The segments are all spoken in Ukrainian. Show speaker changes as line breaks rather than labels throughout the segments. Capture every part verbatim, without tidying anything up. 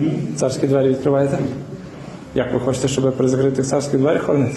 Царські двері відкриваєте? Як ви хочете, щоб при закритих царські двері хоронити?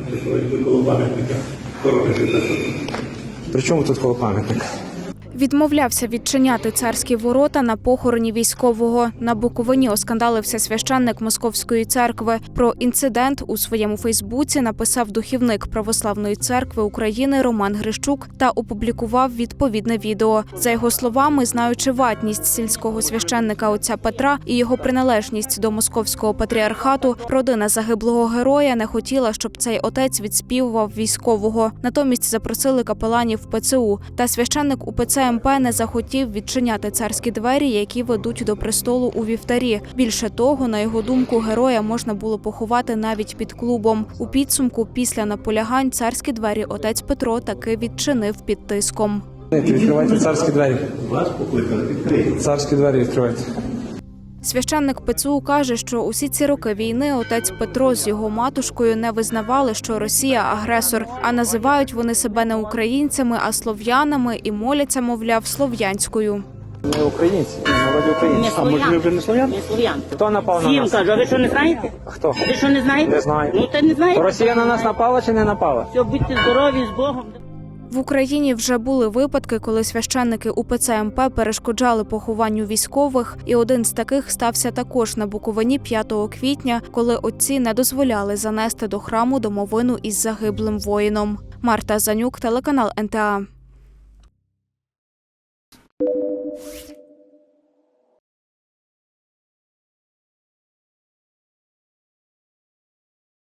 При чому тут коло пам'ятника?
Відмовлявся відчиняти царські ворота на похороні військового. На Буковині оскандалився священник Московської церкви. Про інцидент у своєму Фейсбуці написав духівник Православної церкви України Роман Грищук та опублікував відповідне відео. За його словами, знаючи ватність сільського священника отця Петра і його приналежність до Московського патріархату, родина загиблого героя не хотіла, щоб цей отець відспівував військового. Натомість запросили капеланів ПЦУ. Та священник УПЦ МП не захотів відчиняти царські двері, які ведуть до престолу у вівтарі. Більше того, на його думку, героя можна було поховати навіть під клубом. У підсумку, після наполягань, царські двері отець Петро таки відчинив під тиском.
Відкривайте царські двері. Царські двері відкривайте.
Священник ПЦУ каже, що усі ці роки війни отець Петро з його матушкою не визнавали, що Росія – агресор, а називають вони себе не українцями, а слов'янами і моляться, мовляв, слов'янською.
Ми українці, ми народі українці. А може ви вже не слов'ян?
Не слов'ян.
Хто напав на
Всім
нас?
кажу, а ви що не знаєте?
Хто?
Ви що не знаєте?
Не знаю.
Ну, та не знаєте.
Росія на нас напала чи не напала?
Все, будьте здорові, з Богом.
В Україні вже були випадки, коли священники УПЦ МП перешкоджали похованню військових, і один з таких стався також на Буковині п'ятого квітня, коли отці не дозволяли занести до храму домовину із загиблим воїном. Марта Занюк, телеканал ен те а.